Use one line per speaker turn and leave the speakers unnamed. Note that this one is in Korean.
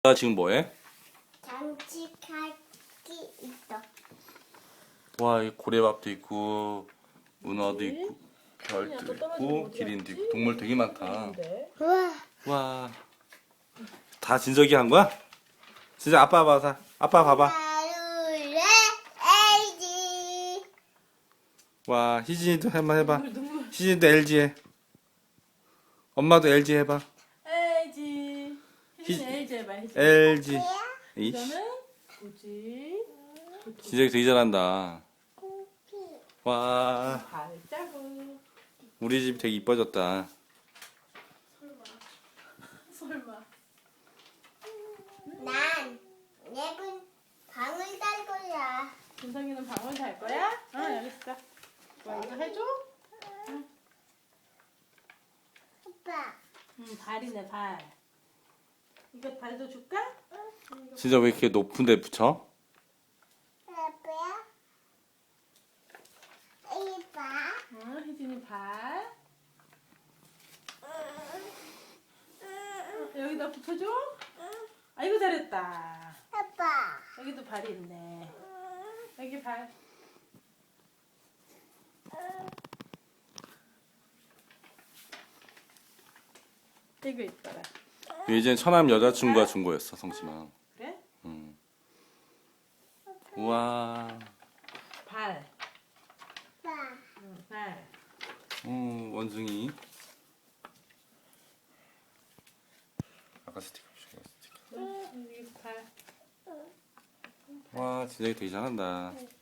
나 지금 뭐해?
장식하기 있어.
와, 이 고래밥도 있고 문어도
뭐지?
있고 별도
또
있고
떨어지면 어디
기린도
갔지?
있고 동물 되게 많다.
근데
우와.
와, 다 진석이 한 거야? 진짜 아빠 봐봐. 아빠 봐봐.
하루에 LG.
와, 희진이도 한번 해봐.
눈물.
희진이도 LG 해. 엄마도 LG 해봐.
LG.
희-
희진 LG 해봐. 희진.
LG. 이씨,
이거는 뭐지?
진석이 되게 잘한다. 와,
발자국.
우리 집 되게 이뻐졌다.
설마.
난 예쁜 방을 달 거야.
준성이는 방울 달 거야? 어, 여기 있어. 뭐 이거 해줘?
아빠.
발이네 발. 이거 발도 줄까?
진짜 왜 이렇게 높은 데 붙여?
아빠야. 이봐.
희진이 발. 여기다 붙여줘? 아이고 잘했다.
아빠.
여기도 발이 있네. 여기 발. 이거 있더라.
예전 처남 여자친구가 준 거였어, 성심아.
그래?
우와,
발.
아빠.
발.
원숭이. 아까 스티커 주고 스티커.
여기 발.
와, 진짜 되게 잘한다.